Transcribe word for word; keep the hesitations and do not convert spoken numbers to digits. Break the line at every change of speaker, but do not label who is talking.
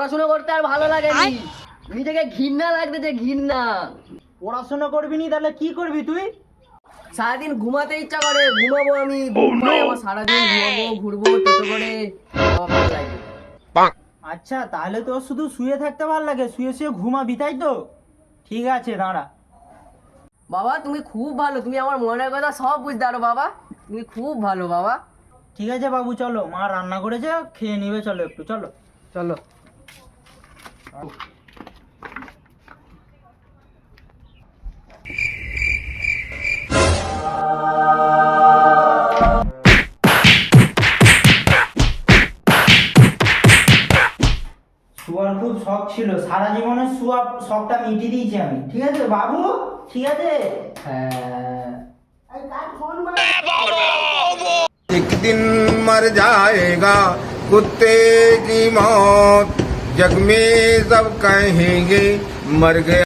পড়াশোনা করতে আর ভালো লাগেনি, নিজেকে ঘৃণা লাগতেছে, ঘৃণা।
পড়াশোনা করবি নি তাহলে কি করবি তুই?
সারাদিন ঘুমাতে ইচ্ছা করে, ঘুমাবো আমি, ঘুমাই আমার সারাদিন, ঘুমাবো, ঘুরবো, টোটো করে, আমার ভালো লাগে।
আচ্ছা তাহলে তোর শুধু শুয়ে থাকতে ভালো লাগে, শুয়ে শুয়ে ঘুমাবি তাই তো? ঠিক আছে দাঁড়া।
বাবা তুমি খুব ভালো, তুমি আমার মনের কথা সব বুঝতে পারো বাবা, তুমি খুব ভালো বাবা।
ঠিক আছে বাবু, চলো, মা রান্না করেছে, খেয়ে নিবে, চলো একটু চলো।
চলো।
শুয়ার খুব শখ ছিল, সারা জীবনে শুয়া শখটা মিটিয়ে দিয়েছি আমি। ঠিক আছে বাবু, ঠিক আছে।
হ্যাঁ।
एक दिन मर जाएगा कुत्ते की मौत, जग में सब कहेंगे मर गया।